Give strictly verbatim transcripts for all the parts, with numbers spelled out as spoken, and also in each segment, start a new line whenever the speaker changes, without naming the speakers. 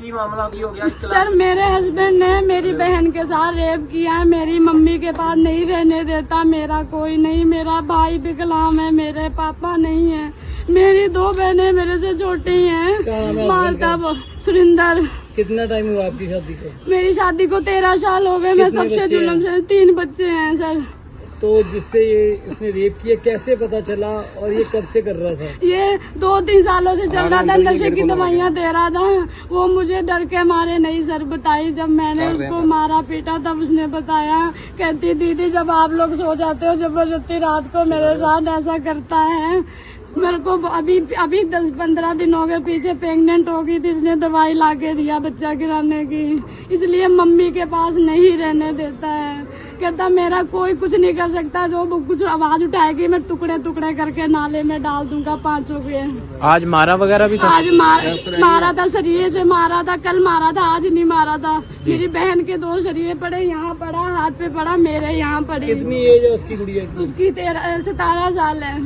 की मामला की हो गया?
सर मेरे हस्बैंड ने मेरी बहन के साथ रेप किया है, मेरी मम्मी के पास नहीं रहने देता, मेरा कोई नहीं, मेरा भाई विकलांग है, मेरे पापा नहीं है, मेरी दो बहनें मेरे से छोटी हैं। मालता सुरिंदर।
कितना टाइम हुआ आपकी शादी को?
मेरी शादी को तेरह साल हो गए। मैं सबसे जुल्म से तीन बच्चे हैं सर।
तो जिससे ये इसने रेप किया कैसे पता चला और ये कब से कर रहा था?
ये दो तीन सालों से चल रहा था, नशे की दवाइयाँ दे रहा था। वो मुझे डर के मारे नहीं सर बताई। जब मैंने उसको मारा पीटा तब उसने बताया। कहती दीदी जब आप लोग सो जाते हो जबरदस्ती रात को मेरे साथ ऐसा करता है। मेरे को अभी अभी दस पंद्रह दिन हो गए पीछे प्रेग्नेंट हो गई थी, इसने दवाई ला के दिया बच्चा गिराने की, इसलिए मम्मी के पास नहीं रहने देता है। कहता मेरा कोई कुछ नहीं कर सकता, जो कुछ आवाज उठाएगी मैं टुकड़े टुकड़े करके नाले में डाल दूंगा पांचों के।
आज मारा वगैरह भी था?
आज मार, मारा था, शरीर से मारा था, कल मारा था, आज नहीं मारा था। मेरी बहन के दो शरीर पड़े, यहाँ पड़ा, हाथ पे पड़ा, मेरे यहाँ पड़ी।
कितनी एज है उसकी गुड़िया की?
उसकी तेरह सतारह साल है।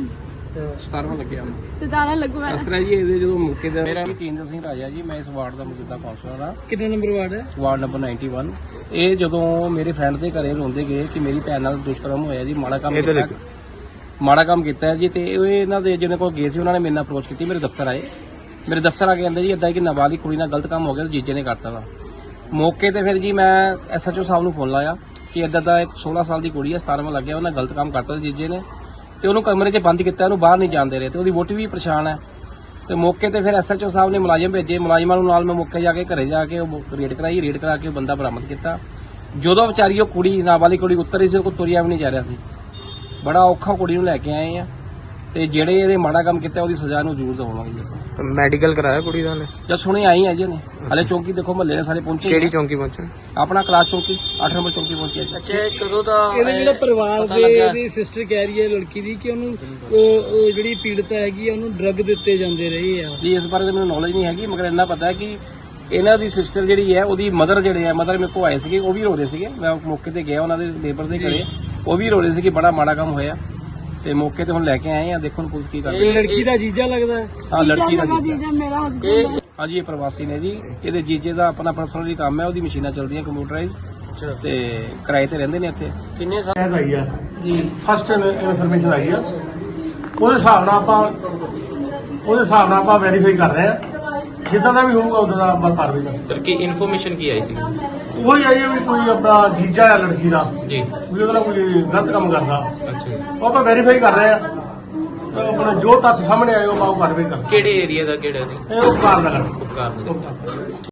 सतारह लगे
सतारह लगवा
इस तरह जी ये जो मौके ਤੇ ਮੇਰਾ ਤੇਂਦਰ ਸਿੰਘ ਰਾਜਾ ਜੀ, ਮੈਂ ਇਸ ਵਾਰਡ ਦਾ ਮੌਜੂਦਾ ਕਾਉਂਸਲਰ ਹਾਂ।
ਕਿੰਨਾ ਨੰਬਰ ਵਾਰਡ ਹੈ?
ਵਾਰਡ ਨੰਬਰ ਇਕੱਨਵੇਂ। ਇਹ ਜਦੋਂ ਮੇਰੇ ਫਰੈਂਡ ਦੇ ਘਰੇ ਰੋਂਦੇ ਗਏ ਕਿ ਮੇਰੀ ਭੈਣ ਨਾਲ ਦੁਸ਼ਕਰਮ ਹੋਇਆ ਜੀ, ਮਾੜਾ ਕੰਮ ਕੀਤਾ ਮਾੜਾ ਕੰਮ ਕੀਤਾ ਹੈ ਜੀ, ਤੇ ਇਹ ਇਹਨਾਂ ਦੇ ਜਿਹਨਾਂ ਕੋਲ ਗਏ ਸੀ ਉਹਨਾਂ ਨੇ ਮੇਰੇ ਨਾਲ ਅਪਰੋਚ ਕੀਤੀ, ਮੇਰੇ ਦਫ਼ਤਰ ਆਏ। ਮੇਰੇ ਦਫ਼ਤਰ ਆ ਕੇ ਕਹਿੰਦੇ ਜੀ ਇਦਾਂ ਕਿ ਨਾਬਾਲਿਗ ਕੁੜੀ ਨਾਲ ਗਲਤ ਕੰਮ ਹੋ ਗਿਆ, ਜੀਜੇ ਨੇ ਕਰਤਾ ਵਾ। ਮੌਕੇ ਤੇ ਫਿਰ ਜੀ ਮੈਂ ਐਸਐਚਓ ਸਾਹਿਬ ਨੂੰ ਫੋਨ ਲਾਇਆ ਕਿ ਇਦਾਂ ਦਾ ਇੱਕ ਸੋਲਾਂ ਸਾਲ ਦੀ ਕੁੜੀ ਹੈ, ਸਤਾਰਵਾਂ ਲੱਗਿਆ, ਉਹਨਾਂ ਗਲਤ ਕੰਮ ਕਰਤਾ ਜੀਜੇ ਨੇ, ਤੇ ਉਹਨੂੰ ਕਮਰੇ 'ਚ ਬੰਦ ਕੀਤਾ, ਉਹਨੂੰ ਬਾਹਰ ਨਹੀਂ ਜਾਣ ਦੇ ਰਹੇ, ਤੇ ਉਹਦੀ ਵੋਟੀ ਵੀ ਪਰੇਸ਼ਾਨ ਹੈ। ਤੇ ਮੌਕੇ ਤੇ ਫਿਰ ਐਸਐਚਓ ਸਾਹਿਬ ਨੇ ਮੁਲਾਜ਼ਮ ਭੇਜੇ, ਮੁਲਾਜ਼ਮਾਂ ਨੂੰ ਨਾਲ ਮੈਂ ਮੌਕੇ ਜਾ ਕੇ ਘਰੇ ਜਾ ਕੇ ਉਹ ਰੇਡ ਕਰਾਈ, ਰੇਡ ਕਰਾ ਕੇ ਉਹ ਬੰਦਾ ਬਰਾਮਦ ਕੀਤਾ। ਜਦੋਂ ਵਿਚਾਰੀ ਉਹ ਕੁੜੀ ਨਾਬਾਲਿਗ ਕੁੜੀ ਉਤਰੀ ਸੀ, ਉਹ ਕੋਲ ਤੁਰਿਆ ਵੀ ਨਹੀਂ ਜਾ ਰਿਹਾ ਸੀ, ਬੜਾ ਔਖਾ ਕੁੜੀ ਨੂੰ ਲੈ ਕੇ ਆਏ ਆ। ਤੇ ਜਿਹੜੇ ਇਹਦੇ ਮਾੜਾ ਕੰਮ ਕੀਤਾ ਉਹਦੀ ਸਜ਼ਾ ਨੂੰ ਜ਼ਰੂਰ ਦਵਾਵਾਂਗੇ।
ਮੈਡੀਕਲ ਕਰਾਇਆ ਕੁੜੀ ਦਾ ਨੇ?
ਜਦ ਸੁਣੇ ਆਈ ਹੈ ਜੀ ਨੇ, ਹਲੇ ਚੌਂਕੀ ਦੇਖੋ ਮਹੱਲੇ ਦੇ ਸਾਰੇ ਪਹੁੰਚੇ।
ਕਿਹੜੀ ਚੌਂਕੀ ਪਹੁੰਚੇ?
ਆਪਣਾ ਕਲਾਸ ਚੌਂਕੀ, ਅੱਠ ਨੰਬਰ ਚੌਂਕੀ ਪਹੁੰਚੀ।
ਅੱਛਾ, ਕਦੋਂ ਦਾ ਇਹਦੇ ਜਿਹੜਾ ਪਰਿਵਾਰ ਦੇ ਇਹਦੀ ਸਿਸਟਰ ਕਹਿ ਰਹੀ ਹੈ ਲੜਕੀ ਦੀ ਕਿ ਉਹਨੂੰ ਉਹ ਜਿਹੜੀ ਪੀੜਤ ਹੈਗੀ ਆ ਉਹਨੂੰ ਡਰੱਗ ਦਿੱਤੇ ਜਾਂਦੇ ਰਹੇ ਆ
ਜੀ। ਇਸ ਬਾਰੇ ਤਾਂ ਮੈਨੂੰ ਨੌਲੇਜ ਨਹੀਂ ਹੈਗੀ, ਮਗਰ ਇੰਨਾ ਪਤਾ ਹੈ ਕਿ ਇਹਨਾਂ ਦੀ ਸਿਸਟਰ ਜਿਹੜੀ ਹੈ ਉਹਦੀ ਮਦਰ ਜਿਹੜੇ ਆ, ਮਦਰ ਮੇਰੇ ਕੋਲ ਆਏ ਸੀਗੇ, ਉਹ ਵੀ ਰੋ ਰਹੇ ਸੀਗੇ। ਮੈਂ ਮੌਕੇ ਤੇ ਗਿਆ ਉਹਨਾਂ ਦੇ ਲੇਬਰ ਦੇ ਘਰੇ, ਉਹ ਵੀ ਰੋ ਰਹੇ ਸੀ ਕਿ ਬੜਾ ਮਾੜਾ ਕੰਮ ਹੋਇਆ। ਤੇ ਮੌਕੇ ਤੇ ਹੁਣ ਲੈ ਕੇ ਆਏ ਆ, ਦੇਖੋ ਪੁਲਿਸ ਕੀ ਕਰਦੀ ਹੈ।
ਲੜਕੀ ਦਾ ਜੀਜਾ ਲੱਗਦਾ ਹੈ?
ਹਾਂ, ਲੜਕੀ ਦਾ ਜੀਜਾ
ਜੀਜਾ ਮੇਰਾ ਹਸਬੈਂਡ।
ਹਾਂਜੀ, ਇਹ ਪ੍ਰਵਾਸੀ ਨੇ ਜੀ। ਇਹਦੇ ਜੀਜੇ ਦਾ ਆਪਣਾ ਪਰਸਨਲੀ ਕੰਮ ਹੈ, ਉਹਦੀ ਮਸ਼ੀਨਾਂ ਚੱਲਦੀਆਂ ਕੰਪਿਊਟਰਾਈਜ਼, ਤੇ ਕਿਰਾਏ ਤੇ ਰਹਿੰਦੇ ਨੇ ਇੱਥੇ। ਕਿੰਨੇ ਸਾਲ
ਆਈ ਆ ਜੀ? ਫਸਟ ਇਨਫੋਰਮੇਸ਼ਨ ਆਈ ਆ, ਉਹਦੇ ਹਿਸਾਬ ਨਾਲ ਆਪਾਂ ਉਹਦੇ ਹਿਸਾਬ ਨਾਲ ਆਪਾਂ ਵੈਰੀਫਾਈ ਕਰ ਰਹੇ ਆ। ਜਿੱਦਾਂ ਦਾ ਵੀ ਹੋਊਗਾ ਉਦਾਂ ਦਾ ਆਪਾਂ ਕਾਰਵਾਈ ਕਰਾਂਗੇ।
ਸਰ ਕੀ ਇਨਫੋਰਮੇਸ਼ਨ ਕੀ ਆਈ ਸੀ?
ਉਹੀ ਆਈ ਆ ਵੀ ਕੋਈ ਆਪਣਾ ਜੀਜਾ ਆ ਲੜਕੀ ਦਾ
ਜੀ,
ਵੀ ਉਹਦਾ ਕੋਈ ਗਲਤ ਕੰਮ ਕਰਦਾ,
ਅੱਛਾ।
ਉਹ ਆਪਾਂ ਵੈਰੀਫਾਈ ਕਰ ਰਹੇ ਆ। ਆਪਣਾ ਜੋ ਤੱਥ ਸਾਹਮਣੇ ਆਏ ਉਹ ਆਪਾਂ ਉਹ ਕਾਰਵਾਈ ਕਰਾਂਗੇ।
ਕਿਹੜੇ ਏਰੀਆ ਦਾ, ਕਿਹੜਾ ਦੀ?
ਇਹ ਉਹ ਕਾਰਨ ਨਗਰ
ਉਪਕਾਰ